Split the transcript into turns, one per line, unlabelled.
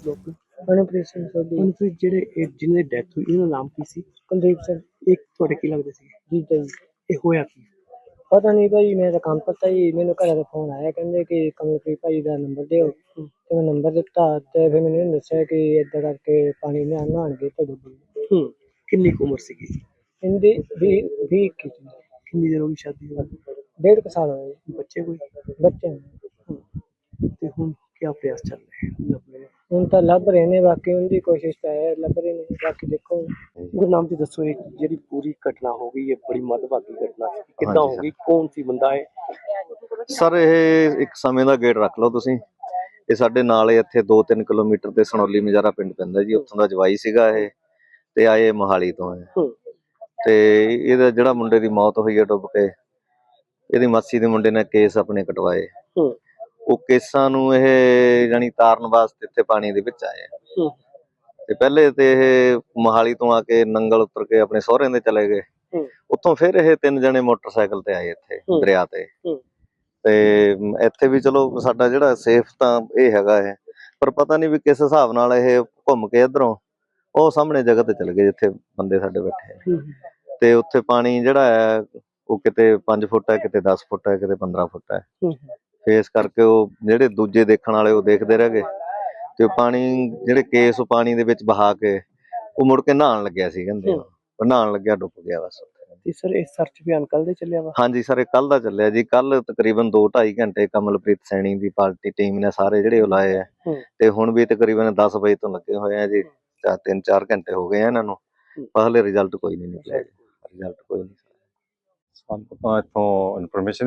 ਲੋਕ
ਮਨਪ੍ਰੀਤ ਸਿੰਘ ਸੋਢੀ।
ਹੁਣ ਫਿਰ ਜਿਹੜੇ ਜਿਹਨਾਂ ਦੀ ਡੈਥ ਹੋਈ ਇਹਨਾਂ ਦਾ ਨਾਮ ਕੀ ਸੀ?
ਕੁਲਦੀਪ ਸਿੰਘ
ਇਹ ਤੁਹਾਡੇ ਕੀ ਲੱਗਦੇ ਸੀ?
ਜੀਤਾ ਜੀ।
ਇਹ ਹੋਇਆ ਕੀ?
ਪਤਾ ਨਹੀਂ ਭਾਈ, ਮੇਰਾ ਕੰਮ ਪਤਾ ਜੀ, ਮੈਨੂੰ ਘਰ ਦਾ ਫੋਨ ਆਇਆ, ਕਹਿੰਦੇ ਕਿ ਕਮਲਪ੍ਰੀਤ ਭਾਈ ਦਾ ਨੰਬਰ ਦਿਓ ਤੇ ਮੈਂ ਨੰਬਰ ਦਿੱਤਾ ਤੇ ਫਿਰ ਮੈਨੂੰ ਇਹਨੇ ਦੱਸਿਆ ਕਿ ਏਦਾਂ ਕਰਕੇ ਪਾਣੀ ਨਹਾਉਣਗੇ ਤੇ ਡੁੱਬ ਗਏ।
ਕਿੰਨੀ ਕੁ ਉਮਰ ਸੀਗੀ?
ਇਹਦੀ 20
ਕਿੰਨੀ ਦੇਰ ਹੋ ਗਈ ਸ਼ਾਦੀ ਨੂੰ?
1.5 ਸਾਲ ਹੋਏ
ਬੱਚੇ ਕੋਈ?
ਬੱਚੇ ਨੂੰ।
ਤੇ ਹੁਣ ਕੀ ਪ੍ਰयास ਚੱਲ ਰਹੇ ਲੱਭਣੇ ਦੇ?
ਹੁਣ ਤਾਂ ਲੱਭ ਰਹੇ ਨੇ, ਬਾਕੀ ਉਹਦੀ ਕੋਸ਼ਿਸ਼ ਤਾਂ ਹੈ, ਲੱਭ ਰਹੇ ਨੇ, ਬਾਕੀ ਦੇਖੋ।
ਗੁਰਨਾਮ ਜੀ ਦੱਸੋ, ਇਹ ਜਿਹੜੀ ਪੂਰੀ ਘਟਨਾ ਹੋ ਗਈ ਹੈ ਬੜੀ ਮੰਦਭਾਗੀ ਘਟਨਾ ਸੀ, ਕਿੱਦਾਂ ਹੋ ਗਈ? ਕੌਣ ਸੀ ਬੰਦਾ ਹੈ?
ਸਰ ਇਹ ਇੱਕ ਸਮੇਂ ਦਾ ਗੇੜ ਰੱਖ ਲਓ ਤੁਸੀਂ। ਇਹ ਸਾਡੇ ਨਾਲ ਇੱਥੇ 2-3 ਕਿਲੋਮੀਟਰ ਤੇ ਸਨੌਲੀ ਮਜਾਰਾ ਪਿੰਡ ਪੈਂਦਾ ਜੀ, ਉੱਥੋਂ ਦਾ ਜਵਾਈ ਸੀਗਾ ਇਹ, ਤੇ ਆਏ ਮੋਹਾਲੀ ਤੋਂ ਹੈ। ਤੇ ਇਹਦਾ ਜਿਹੜਾ ਮੁੰਡੇ ਦੀ ਮੌਤ ਹੋਈ ਹੈ ਡੁੱਬ ਕੇ, ਇਹਦੀ ਮਾਸੀ ਦੇ ਮੁੰਡੇ ਨੇ ਕੇਸ ਆਪਣੇ ਕਟਵਾਏ। ਉਹ ਕੇਸਾਂ ਨੂੰ ਇਹ ਜਾਨੀ ਤਾਰਨ ਵਾਸਤੇ ਇੱਥੇ ਪਾਣੀ ਦੇ ਵਿੱਚ ਆਏ ਆ। ਤੇ ਪਹਿਲੇ ਤੇ ਇਹ ਮੋਹਾਲੀ ਤੋਂ ਆ ਕੇ ਨੰਗਲ ਉਤਰ ਕੇ ਆਪਣੇ ਸਹੁਰਿਆਂ ਦੇ ਚਲੇ ਗਏ। ਉੱਥੋਂ ਫਿਰ ਇਹ 3 ਜਣੇ ਮੋਟਰਸਾਈਕਲ ਤੇ ਆਏ ਇੱਥੇ ਦਰਿਆ ਤੇ। ਤੇ ਇੱਥੇ ਵੀ ਚਲੋ ਸਾਡਾ ਜਿਹੜਾ ਸੇਫ ਤਾਂ ਇਹ ਹੈਗਾ ਹੈ, ਪਰ ਪਤਾ ਨਹੀਂ ਵੀ ਕਿਸ ਹਿਸਾਬ ਨਾਲ ਇਹ ਘੁੰਮ ਕੇ ਇੱਧਰੋਂ ਉਹ ਸਾਹਮਣੇ ਜਗ੍ਹਾ ਤੇ ਚਲੇ ਗਏ ਜਿੱਥੇ ਬੰਦੇ ਸਾਡੇ ਬੈਠੇ। ਤੇ ਉੱਥੇ ਪਾਣੀ ਜਿਹੜਾ ਹੈ ਉਹ ਕਿਤੇ 5 ਫੁੱਟ ਹੈ, ਕਿਤੇ 10 ਫੁੱਟ ਹੈ, ਕਿਤੇ 15 ਫੁੱਟ ਹੈ। ਫੇਸ ਕਰਕੇ ਉਹ ਜਿਹੜੇ ਦੂਜੇ ਦੇਖਣ ਵਾਲੇ ਉਹ ਦੇਖਦੇ ਰਹਿ ਗਏ। ਤੇ ਉਹ ਪਾਣੀ ਜਿਹੜੇ ਕੇਸ ਉਹ ਪਾਣੀ ਦੇ ਵਿੱਚ ਬਹਾ ਕੇ ਉਹ ਮੁੜ ਕੇ ਨਹਾਉਣ ਲੱਗਿਆ ਸੀ, ਕਹਿੰਦੇ ਉਹ ਨਹਾਉਣ ਲੱਗਿਆ ਡੁੱਬ ਗਿਆ ਬਸ।
ਤੇ ਸਰ ਇਹ ਸਰਚ ਅਭਿਆਨ ਕੱਲ ਦੇ ਚੱਲਿਆ ਵਾ?
ਹਾਂਜੀ ਸਰ, ਇਹ ਕੱਲ ਦਾ ਚੱਲਿਆ ਜੀ। ਕੱਲ ਤਕਰੀਬਨ 2-2.5 ਘੰਟੇ ਕਮਲਪ੍ਰੀਤ ਸੈਣੀ ਦੀ ਪਾਰਟੀ ਟੀਮ ਨੇ ਸਾਰੇ ਜਿਹੜੇ ਉਹ ਲਾਏ ਆ। ਤੇ ਹੁਣ ਵੀ ਤਕਰੀਬਨ 10 ਵਜੇ ਤੋਂ ਲੱਗੇ ਹੋਏ ਆ ਜੀ, 3-4 ਘੰਟੇ ਹੋ ਗਏ ਆ ਇਹਨਾਂ ਨੂੰ, ਪਰ ਹਲੇ ਰਿਜ਼ਲਟ ਕੋਈ ਨਹੀਂ ਨਿਕਲਿਆ। ਰਿਜ਼ਲਟ ਕੋਈ ਨਹੀਂ।
ਸਾਨੂੰ ਤਾਂ ਇੱਥੋਂ ਇਨਫੋਰਮੇਸ਼ਨ